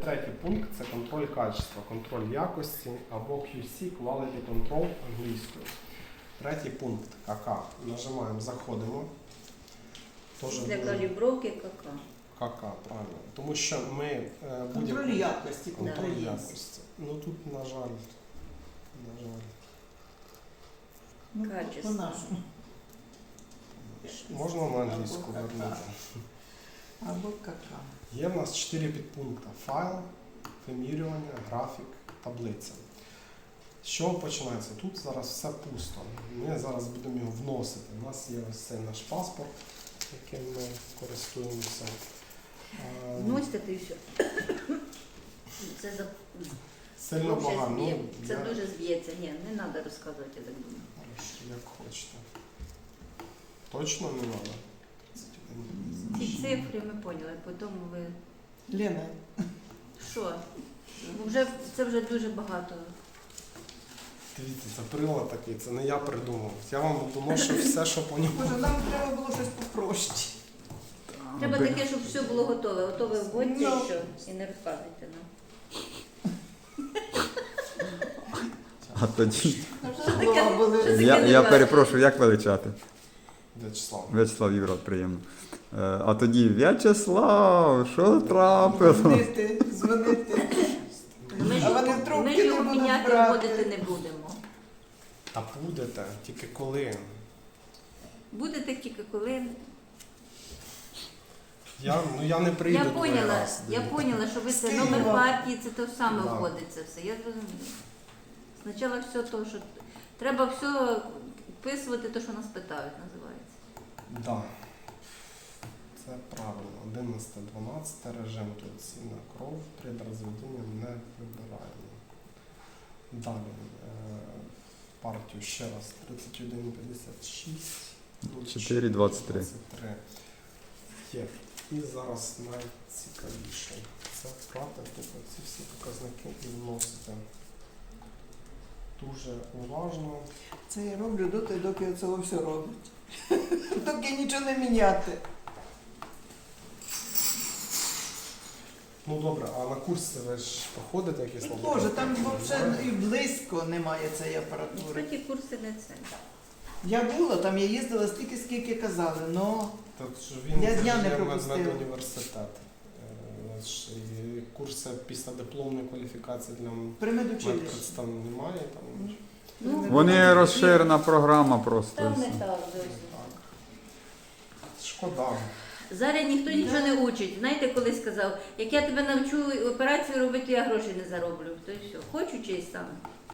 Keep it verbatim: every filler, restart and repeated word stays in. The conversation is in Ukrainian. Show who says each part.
Speaker 1: третій пункт – це контроль качества, контроль якості або кью сі, Quality Control англійською. Третій пункт – ка ка. Нажимаємо, заходимо. Тоже
Speaker 2: Для
Speaker 1: дуже-
Speaker 2: калібровки ка ка.
Speaker 1: ка ка, правильно. Тому що ми е,
Speaker 3: Контроль
Speaker 1: будь-яку-
Speaker 3: якості,
Speaker 1: контроль
Speaker 3: контроль є.
Speaker 1: якості. Ну тут, на жаль, на жаль.
Speaker 3: Ну,
Speaker 2: Качество.
Speaker 3: по-нашому.
Speaker 1: Можна на англійську
Speaker 3: Або ка ка.
Speaker 1: вернути.
Speaker 3: Або кака.
Speaker 1: Є в нас чотири підпункти. Файл, вимірювання, графік, таблиця. З чого починається? Тут зараз все пусто. Ми зараз будемо його вносити. У нас є ось цей наш паспорт, яким ми користуємося. Е,
Speaker 2: Вносите ти все. Це за
Speaker 1: Сильно
Speaker 2: дуже
Speaker 1: багато.
Speaker 2: зб'є.
Speaker 1: Ну,
Speaker 2: Це
Speaker 1: я-
Speaker 2: дуже зб'ється. Ні, не треба розказувати, я так думаю.
Speaker 1: Хорошо, як хочете. Точно не треба?
Speaker 2: Ці цифри ми поняли, потім ви.
Speaker 3: Лена,
Speaker 2: Що? Ну, Вже, це вже дуже багато.
Speaker 1: Дивіться, це прилад такий, це не я придумав. Я вам доношу все, що по ньому.
Speaker 3: може нам треба було щось попроще.
Speaker 2: Треба
Speaker 4: Би-
Speaker 2: таке, щоб все було готове. Готове вводьте і
Speaker 3: Ну.
Speaker 2: що. І не розказуйте нам.
Speaker 4: А тоді.
Speaker 3: Слова були.
Speaker 2: Що таке
Speaker 4: Я,
Speaker 2: не
Speaker 4: я
Speaker 2: бачите?
Speaker 4: перепрошую, як величати?
Speaker 1: В'ячеслав.
Speaker 4: В'ячеслав Єврот, приємно. Е, А тоді В'ячеслав, що трапило?
Speaker 3: Дзвонити, дзвонити.
Speaker 2: Ми ж,
Speaker 3: А вони
Speaker 2: його-
Speaker 3: трубки
Speaker 2: ми ж
Speaker 3: не
Speaker 2: його
Speaker 3: будуть
Speaker 2: міняти
Speaker 3: брати.
Speaker 2: вводити не будемо.
Speaker 1: А будете, тільки коли?
Speaker 2: Будете тільки коли.
Speaker 1: Я, ну, я не прийду.
Speaker 2: Я
Speaker 1: другий
Speaker 2: поняла,
Speaker 1: раз.
Speaker 2: я поняла, що ви це
Speaker 3: Скинула.
Speaker 2: номер партії, це те саме
Speaker 1: Да.
Speaker 2: вводиться все. Я зрозуміла. Спочатку все то, що треба все вписувати, те, що нас питають, називається.
Speaker 1: Да. Це правильно. одинадцяте дванадцяте режим турційна кров, при розведенні не вибираємо. Далі. е, Партію ще раз. тридцять один п'ятдесят шість.
Speaker 4: чотири двадцять три.
Speaker 1: Є. І зараз найцікавіше. Це брати тобто ці всі показники і вносити. Дуже уважно.
Speaker 3: Це я роблю доти, доки це все робить. Доки нічого не міняти.
Speaker 1: Ну добре, а на курси ви ж проходите якісь
Speaker 3: І Боже, там взагалі і близько немає цієї апаратури.
Speaker 2: Насправді курси не це.
Speaker 3: Я була там, я їздила стільки, скільки казали, но
Speaker 1: Так що він
Speaker 3: Я
Speaker 1: це
Speaker 3: дня
Speaker 1: ж
Speaker 3: не
Speaker 1: є
Speaker 3: пропустила.
Speaker 1: медуніверситет. Е, ж і Курси після дипломної кваліфікації для
Speaker 3: при медучилищі.
Speaker 1: медпредстав немає. Там,
Speaker 2: Ну,
Speaker 4: Вони розширена програма просто. і
Speaker 2: Там
Speaker 4: все.
Speaker 2: не так зовсім.
Speaker 1: так. Шкода.
Speaker 2: Зараз ніхто нічого не учить. Знаєте, колись сказав, як я тебе навчу операцію робити, я грошей не зароблю. То й все. Хочу чись сам.